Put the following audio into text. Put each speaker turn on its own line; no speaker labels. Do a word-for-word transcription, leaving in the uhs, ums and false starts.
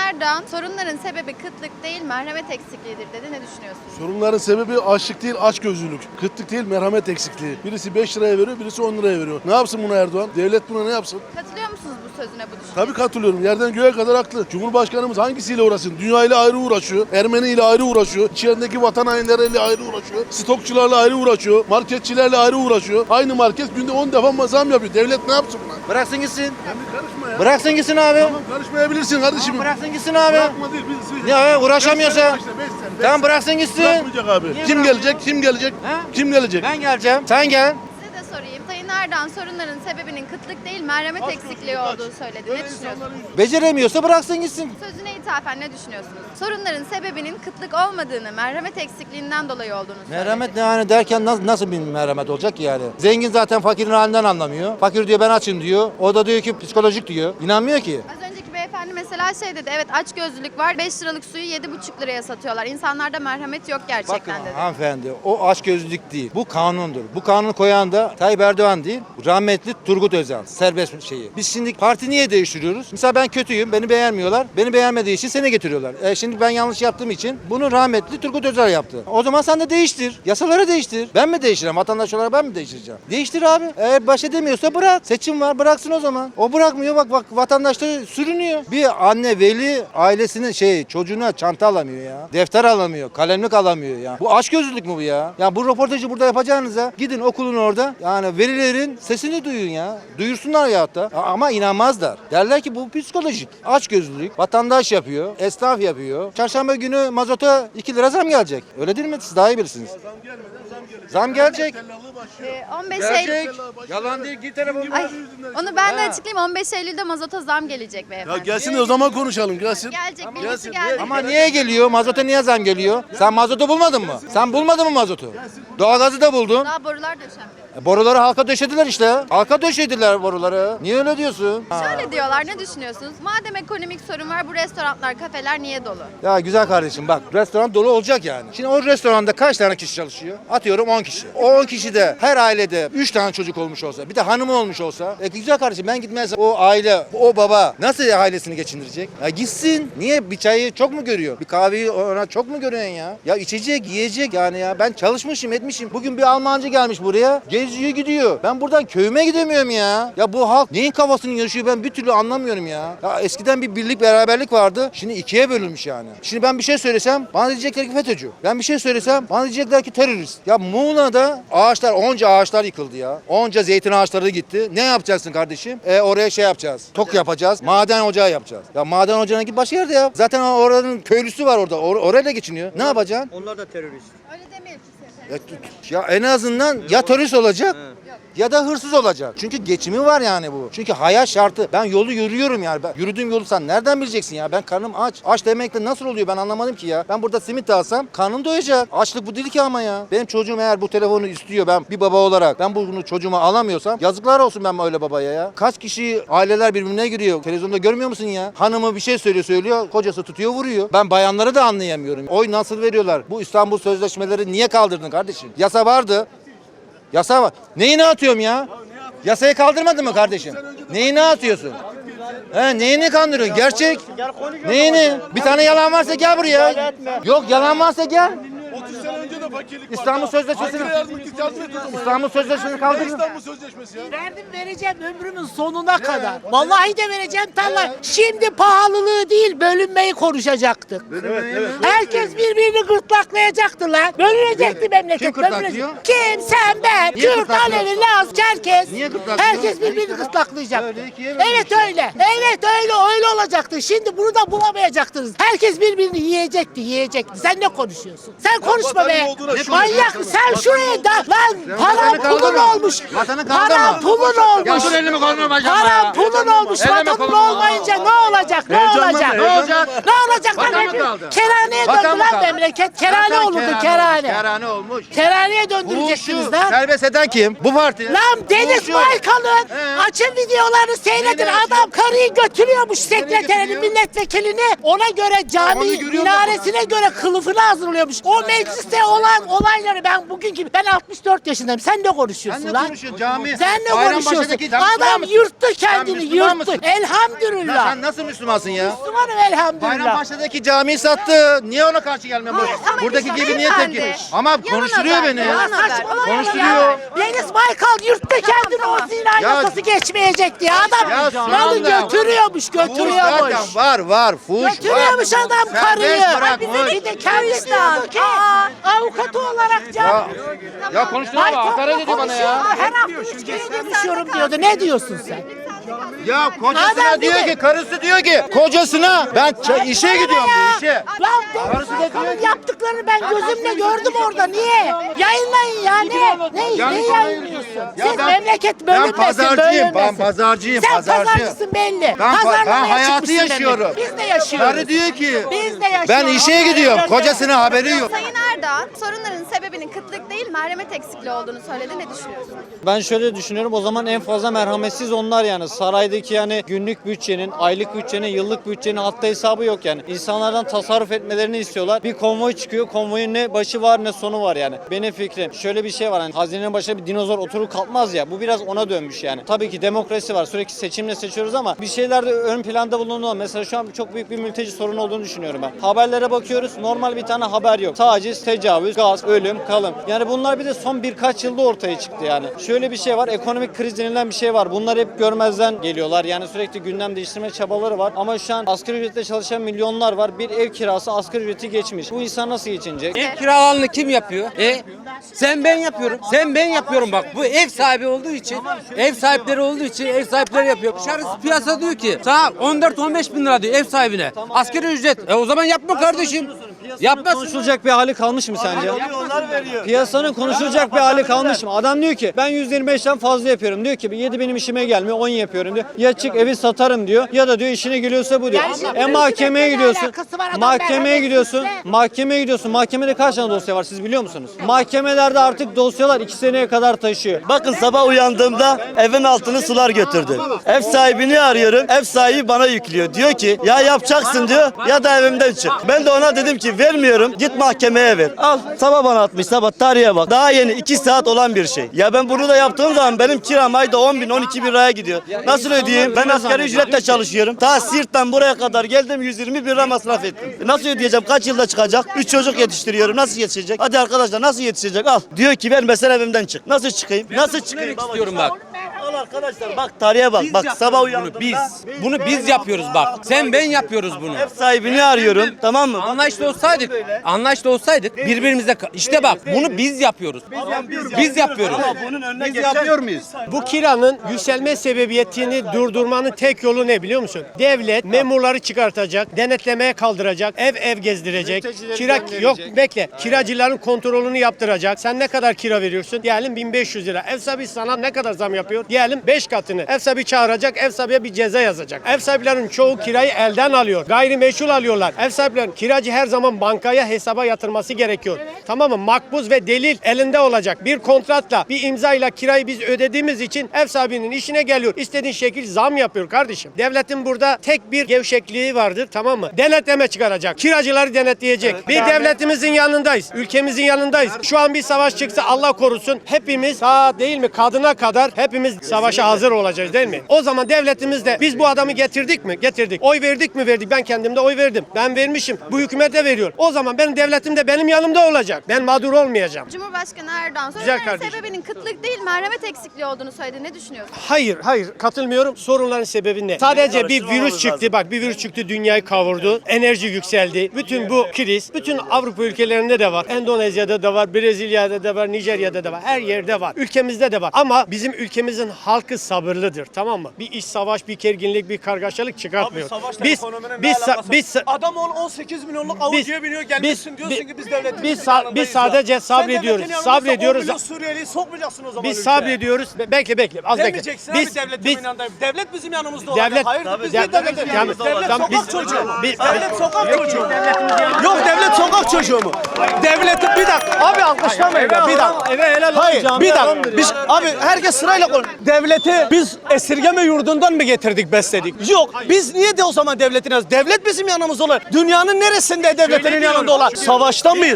Erdoğan sorunların sebebi kıtlık değil merhamet eksikliğidir dedi. Ne düşünüyorsunuz?
Sorunların sebebi açlık değil, açgözlülük. Kıtlık değil, merhamet eksikliği. Birisi beş liraya veriyor, birisi on liraya veriyor. Ne yapsın buna Erdoğan? Devlet buna ne yapsın?
Katılıyor musunuz bu sözüne, bu düşünceye?
Tabii katılıyorum. Yerden göğe kadar haklı. Cumhurbaşkanımız hangisiyle uğraşsın? Dünya ile ayrı uğraşıyor. Ermeni ile ayrı uğraşıyor. İçerideki vatan hainleriyle ayrı uğraşıyor. Stokçularla ayrı uğraşıyor. Marketçilerle ayrı uğraşıyor. Aynı market günde on defa zam yapıyor. Devlet ne yapsın buna?
Bıraksın gitsin.
Sen bir karışma ya.
Bıraksın gitsin abi.
Tamam, karışmayabilirsin kardeşim.
Tamam, bıraksın gitsin abi.
Bırakma değil. Biz, biz,
Ya uğraşamıyorsa.
beş sene başla, beş sene, beş
Tamam
sene.
bıraksın gitsin.
Bırakmayacak abi.
Niye
Kim
bırakmıyor?
gelecek? Kim gelecek?
He?
Kim gelecek?
Ben geleceğim. Sen gel.
Size de sorayım. Sayın Erdoğan sorunların sebebinin kıtlık değil merhamet
Aç
eksikliği
gözlülük,
olduğu
aç.
söyledi.
Böyle
Ne düşünüyorsunuz?
insanların yüzü-
Beceremiyorsa bıraksın gitsin.
Sözüne ithafen ne düşünüyorsunuz? Sorunların sebebinin kıtlık olmadığını, merhamet eksikliğinden dolayı olduğunu söyledi.
Merhamet ne yani derken nasıl, nasıl bir merhamet olacak ki yani? Zengin zaten fakirin halinden anlamıyor. Fakir diyor ben açım diyor. O da diyor ki psikolojik diyor. İnanmıyor ki.
Az önceki beyefendi mesela şey dedi, evet açgözlülük var, beş liralık suyu yedi buçuk liraya satıyorlar. İnsanlarda merhamet yok
Bakın
gerçekten dedi.
hanımefendi o açgözlülük değil. Bu kanundur. Bu kanunu koyan da Tayyip Erdoğan değil. Rahmetli Turgut Özal. Serbest şeyi. Biz şimdi parti niye değiştiriyoruz? Mesela ben kötüyüm. Beni beğenmiyorlar. Beni beğenmediği için seni getiriyorlar. E şimdi ben yanlış yaptığım için bunu rahmetli Turgut Özal yaptı. O zaman sen de değiştir. Yasaları değiştir. Ben mi değiştireceğim? Vatandaş olarak ben mi değiştireceğim? Değiştir abi. Eğer baş edemiyorsa bırak. Seçim var. Bıraksın o zaman. O bırakmıyor. Bak bak vatandaş da sürünüyor. Bir anne veli ailesinin şey çocuğuna çanta alamıyor ya. Defter alamıyor. Kalemlik alamıyor ya. Bu açgözlülük mü bu ya? Ya bu röportajı burada yapacağınıza gidin okulun orada. Yani velilerin sesini duyun ya. Duyursunlar ya hatta. Ama inanmazlar. Derler ki bu psikolojik. Açgözlülük. Vatandaş yapıyor. Esnaf yapıyor. Çarşamba günü mazota iki lira zam gelecek. Öyle değil mi? Siz daha iyi bilirsiniz.
Zam gelmeden zam gelecek.
Zam gelecek.
Tellallığı başlıyor.
Ee, on beş Eylül...
Gelecek. Yalan değil. Git telefonu.
Ay, onu ben de
Ha.
açıklayayım. on beş Eylül'de mazota zam gelecek
Ya
beyefendi.
gelsin de o zaman konuşalım. Gelsin.
Gelecek, bilgisi
Gelsin.
geldi.
Ama niye geliyor? Mazota niye zam geliyor? Sen mazotu bulmadın mı? Sen bulmadın mı mazotu? Doğalgazı da buldun.
Daha borular döşenmedi.
E, boruları halka döşediler işte. Halka döşediler boruları. Niye öyle diyorsun?
Şöyle diyorlar, ne düşünüyorsunuz? Madem ekonomik sorun var, bu restoranlar, kafeler niye dolu?
Ya güzel kardeşim bak restoran dolu olacak yani. Şimdi o restoranda kaç tane kişi çalışıyor? Atıyorum on kişi. O on kişide her ailede üç tane çocuk olmuş olsa bir de hanımı olmuş olsa e güzel kardeşim ben gitmezsem o aile o baba nasıl ailesini geçindirecek? Ya gitsin. Niye bir çayı çok mu görüyor? Bir kahveyi ona çok mu görüyorsun ya? Ya içecek yiyecek yani ya ben çalışmışım etmişim. Bugün bir Almancı gelmiş buraya geziyor gidiyor. Ben buradan köyüme gidemiyorum ya. Ya bu halk neyin kafasını yaşıyor ben bir türlü anlamıyorum ya. Ya eskiden bir birlik beraberlik vardı. Şimdi ikiye bölünmüş yani. Şimdi ben bir şey söylesem bana diyecekler ki FETÖ'cü. Ben bir şey söylesem bana diyecekler ki terörist. Ya Muğla'da ağaçlar onca ağaçlar yıkıldı ya. Onca zeytin ağaçları gitti. Ne yapacaksın kardeşim? E oraya şey yapacağız. Tok yapacağız. Maden ocağı yapacağız. Ya maden ocağına git başka yerde yap. Zaten oranın köylüsü var orada. Or- orayla geçiniyor. Ne yapacaksın?
Onlar da terörist.
Öyle demeyelim kimse.
Ya, ya en azından ya terörist olacak ya da hırsız olacak. Çünkü geçimi var yani bu. Çünkü hayat şartı. Ben yolu yürüyorum yani. Ben, yürüdüğüm yolu sen nereden bileceksin ya? Ben karnım aç. Aç demekle nasıl oluyor ben anlamadım ki ya. Ben burada simit alsam karnım doyacak. Açlık bu değil ki ama ya. Benim çocuğum eğer bu telefonu istiyor ben bir baba olarak ben bunu çocuğuma alamıyorsam yazıklar olsun ben öyle babaya ya. Kaç kişi aileler birbirine giriyor. Televizyonda görmüyor musun ya? Hanımı bir şey söylüyor söylüyor. Kocası tutuyor vuruyor. Ben bayanları da anlayamıyorum. Oy nasıl veriyorlar? Bu İstanbul Sözleşmeleri niye kaldırdın kardeşim? Yasa vardı. Yasa var. Neyini atıyorum ya? Yasayı kaldırmadın mı kardeşim? Neyini atıyorsun? He, neyini kandırıyorsun? Gerçek. Neyini? Bir tane yalan varsa gel buraya. Yok yalan varsa gel.
otuz sene önce de fakirlik vardı.
İstanbul Sözleşmesi'ni
Ankara yazmış git yardım et o zaman.
İstanbul Sözleşmesi'ni
Ne
kaldırın.
İstanbul Sözleşmesi ya?
Verdim vereceğim ömrümün sonuna kadar. Vallahi de vereceğim tarla. Şimdi pahalılığı değil bölünmeyi konuşacaktık. Herkes birbirini gırtlaklayacaktı lan. Bölünecekti memleket.
Kim gırtlaklıyor?
bölünecek. Kim? Sen, ben.
Niye
Kürt,
gırtlaklıyor?
Alevi, Laz, Çerkez.
Niye gırtlaklıyor?
Herkes birbirini gırtlaklayacaktı.
Öyle ikiye bölünmüş.
Evet öyle. Evet öyle öyle olacaktı. Şimdi bunu da bulamayacaktınız. Herkes birbirini yiyecekti yiyecekti. Sen ne konuşuyorsun? Sen konuşma
vatanın
be.
olduğuna şükür.
Manyak mı? Sen
Vatanın
şuraya da lan paran
vatanı
pulun
kaldırma.
olmuş.
Vatanı kaldırma.
Paran pulun
Ya
olmuş.
dur elimi kolunu bacağıma
Paran
ya.
pulun olmuş.
Elleme
Vatanın
kolumu.
olmayınca ne olacak? Ne
Heyecanlanma,
olacak?
Ne olacak?
Ne olacak lan?
Vatan mı
hepimiz-
kaldı?
Kerhaneye
Vatan
döndü
mı
lan
kaldı?
memleket. Kerhane
Zaten
olurdu
olmuş,
kerhane.
Kerhane olmuş.
Kerhaneye
Bu
döndüreceksiniz
şu
lan.
serbest eden kim? Bu parti.
Lan Deniz
Bu şu.
Baykal'ın
He.
açın videolarını seyredin.
Neyle
Adam karıyı götürüyormuş sekreterini,
götürüyor?
milletvekilini. Ona göre cami
Onu görüyor
minaresine göre kılıfını hazırlıyormuş. O mecliste olan olayları ben bugünkü ben altmış dört yaşındayım. Sen ne konuşuyorsun
Sen ne
lan?
konuşuyorsun cami?
Sen ne
Bayrambaşı'daki-
konuşuyorsun?
Sen Müslüman
Adam
mısın?
yırttı
Sen
kendini
Müslüman
yırttı.
mısın?
Elhamdülillah.
Sen nasıl Müslümansın ya?
Müslümanım elhamdülillah. elhamdülillah.
Bayrampaşa'daki camiyi sattı. Niye ona karşı gelmiyor?
Hayır, ama
Buradaki
işte
gibi niye
beyefendi,
tepki? Ama
yalan
konuşturuyor
haber,
beni.
yalan haber.
Saçmalamayın
Konuşturuyor.
ya. Deniz Baykal yurtta kendine o zina
Ya-
yasası geçmeyecekti ya. Adam
Ya
malı
sonra-
götürüyormuş,
Fuş
götürüyormuş.
zaten var var. Fuş
Götürüyormuş
var.
adam
Serbest
karıyı.
bırakmış.
Bir de kendisi
Kılıçdan.
diyordu ki
Aa.
avukatı olarak
Ya,
can.
ya konuşturma bak. Hakaret ediyor bana ya.
Her hafta üç kere konuşuyorum diyordu. Ne diyorsun sen?
Ya kocasına
Adam bir
diyor
de-
ki, karısı diyor ki kocasına ben ç- işe gidiyorum diyor işe.
Ya
Karısı da
Deniz
diyor
Baykal'ın
ki-
yaptıklarını ben gözümle gördüm orada. Niye? Yayınlayın ya ne? Ne,
Yani
ne
sonra-
yayınlıyorsun?
Ya
Siz
ben-
memleket
Ben
bölünmesin,
pazarcıyım, ben
bölünmesin.
pazarcıyım,
Sen
pazarcı.
pazarcısın belli.
Ben, pa-
Pazarlamaya
ben hayatı
çıkmışsın demek.
yaşıyorum.
Biz de yaşıyoruz.
Karı diyor ki
Biz de yaşıyoruz.
ben işe gidiyorum. Kocasının haberi yok.
Sayın Erdoğan, sorunların sebebinin kıtlık değil, merhamet eksikliği olduğunu söyledi. Ne düşünüyorsunuz?
Ben şöyle düşünüyorum, o zaman en fazla merhametsiz onlar yani. Saraydaki yani günlük bütçenin, aylık bütçenin, yıllık bütçenin hatta hesabı yok yani. İnsanlardan tasarruf etmelerini istiyorlar. Bir konvoy çıkıyor, konvoyun ne başı var ne sonu var yani. Benim fikrim şöyle bir şey var, hani hazinenin başına bir dinozor oturup kalkmaz ya, bu biraz ona dönmüş yani. Tabii ki demokrasi var, sürekli seçimle seçiyoruz ama bir şeyler de ön planda bulunuyor. Mesela şu an çok büyük bir mülteci sorunu olduğunu düşünüyorum ben. Haberlere bakıyoruz, normal bir tane haber yok. Taciz, tecavüz, gaz, ölüm, kalım. Yani bunlar bir de son birkaç yılda ortaya çıktı yani. Şöyle bir şey var, ekonomik kriz denilen bir şey var. Bunlar hep görmezden geliyorlar. Yani sürekli gündem değiştirme çabaları var. Ama şu an asgari ücretle çalışan milyonlar var. Bir ev kirası asgari ücreti geçmiş. Bu insan nasıl geçinecek?
Ev kiralarını kim yapıyor? E sen ben yapıyorum. Sen ben yapıyorum bak. Bu ev sahibi olduğu için, ev sahipleri olduğu için ev sahipleri yapıyor. Dışarısı piyasa diyor ki sana on dört on beş bin lira diyor ev sahibine. Asgari ücret. E o zaman yapma kardeşim. Yapmasın.
Konuşulacak bir hali kalmış mı sence? Piyasanın konuşulacak bir hali kalmış mı? Adam diyor ki ben yüzde yirmi beşten fazla yapıyorum. Diyor ki yedi benim işime gelmiyor, on yapıyorum diyor. Ya çık evi satarım diyor ya da diyor işine geliyorsa bu diyor.
Yani şimdi
E mahkemeye
hükümetle ne
gidiyorsun.
alakası var? Adam
Mahkemeye
merhametsiz
gidiyorsun.
de.
Mahkemeye gidiyorsun. Mahkemede kaç tane dosya var siz biliyor musunuz? Mahkemelerde artık dosyalar iki seneye kadar taşıyor.
Bakın sabah uyandığımda evin altını sular götürdü. Ev sahibini arıyorum. Ev sahibi bana yüklüyor. Diyor ki ya yapacaksın diyor ya da evimden çık. Ben de ona dedim ki vermiyorum. Git mahkemeye ver. Al sabah bana atmış. Sabah tarihe bak. Daha yeni iki saat olan bir şey. Ya ben bunu da yaptığım zaman benim kiram ayda on bin on iki bin liraya gidiyor. Nasıl ödeyeyim? Ben asgari ücretle çalışıyorum. Ta Siirt'ten buraya kadar geldim yüz yirmi bin lira masraf ettim. Nasıl ödeyeceğim? Kaç yılda çıkacak? üç çocuk yetiştiriyorum. Nasıl yetişecek? Hadi arkadaşlar nasıl yetişecek? Al. Diyor ki vermesen evimden çık. Nasıl çıkayım? Nasıl çıkayım?
istiyorum bak.
Al arkadaşlar bak tarihe bak. Bak sabah uyandığımda
Bunu biz. Bunu biz yapıyoruz bak. Sen ben yapıyoruz bunu.
ev sahibini arıyorum. Tamam mı?
Anlaşlı olsaydık, anlaşlı olsaydık birbirimize ka- işte bak bunu biz yapıyoruz. Biz yapıyoruz.
Ama bunun önüne
Biz
geçen
yapıyor muyuz?
Bu kiranın yükselme sebebiyetini durdurmanın tek yolu ne biliyor musun? Devlet memurları çıkartacak, denetlemeye kaldıracak, ev ev gezdirecek.
Mültecileri
Kira
gönderecek.
yok bekle. Kiracıların kontrolünü yaptıracak. Sen ne kadar kira veriyorsun? Diyelim bin beş yüz lira. Ev sahibi sana ne kadar zam yapıyor? Diyelim beş katını. Ev sahibi çağıracak, ev sahibiye bir ceza yazacak. Ev sahiplerinin çoğu kirayı elden alıyor. Gayrimeşul alıyorlar. Ev sahiplerinin kiracı her zaman bankaya hesaba yatırması gerekiyor. Tamam mı? Makbuz ve delil elinde olacak. Bir kontratla, bir imzayla kirayı biz ödediğimiz için ev sahibinin işine geliyor. İstediğin şekil zam yapıyor kardeşim. Devletin burada tek bir gevşekliği vardır, tamam mı? Denetleme çıkaracak. Kiracıları denetleyecek. Bir devletimizin yanındayız. Ülkemizin yanındayız. Şu an bir savaş çıksa Allah korusun hepimiz sağ değil mi kadına kadar hepimiz savaşa hazır olacağız değil mi? O zaman devletimiz de biz bu adamı getirdik mi? Getirdik. Oy verdik mi? Verdik. Ben kendimde oy verdim. Ben vermişim. Bu hükümete veriyor. O zaman benim devletim de benim yanımda olacak. Ben mağdur olmayacağım.
Cumhurbaşkanı Erdoğan,
Güzel
sorunların
kardeşim.
sebebinin kıtlık değil, merhamet eksikliği olduğunu söyledi. Ne düşünüyorsunuz?
Hayır, hayır katılmıyorum. Sorunların sebebi ne? Sadece bir virüs çıktı. Bak bir virüs çıktı, dünyayı kavurdu. Enerji yükseldi. Bütün bu kriz, bütün Avrupa ülkelerinde de var. Endonezya'da da var, Brezilya'da da var, Nijerya'da da var. Her yerde var. Ülkemizde de var. Ama bizim ülkemizin halkı sabırlıdır. Tamam mı? Bir iç savaş, bir gerginlik, bir kargaşalık çıkartmıyor. Biz biz biz
Adam on sekiz milyonluk avucuya biniyor gelmişsin diyorsun ki biz devletin
biz, sa- biz sadece sabrediyoruz. Sabrediyoruz.
Suriyeliyi sokmayacaksın o zaman
Biz
ülkeye.
sabrediyoruz. Be- Bekle bekle. Az bekle.
Demeyeceksin
Biz
abi devletin
biz
yanındayım. Devlet bizim yanımızda olacak.
devlet
Hayır
Tabii,
biz
devlet-
niye devletin
Tamam,
yanımızda? Devlet
tamam,
sokak
biz-
çocuğu mu?
biz-
Devlet
biz-
sokak
Yok,
çocuğu mu?
devletimiz yanında.
Yok devlet sokak çocuğu mu? Devletin bir dakika abi alkışlamayın ya bir dakika.
Eve helal olsun,
Hayır
camiye
bir
adam
dakika.
verir.
Biz, abi herkes sırayla konuş. Devleti biz esirgeme yurdundan mı getirdik besledik? Yok biz niye de o zaman devletin yanımızda? Devlet bizim yanımızda olan. Dünyanın neresinde devletlerin yanında olan? Savaşta mıyız?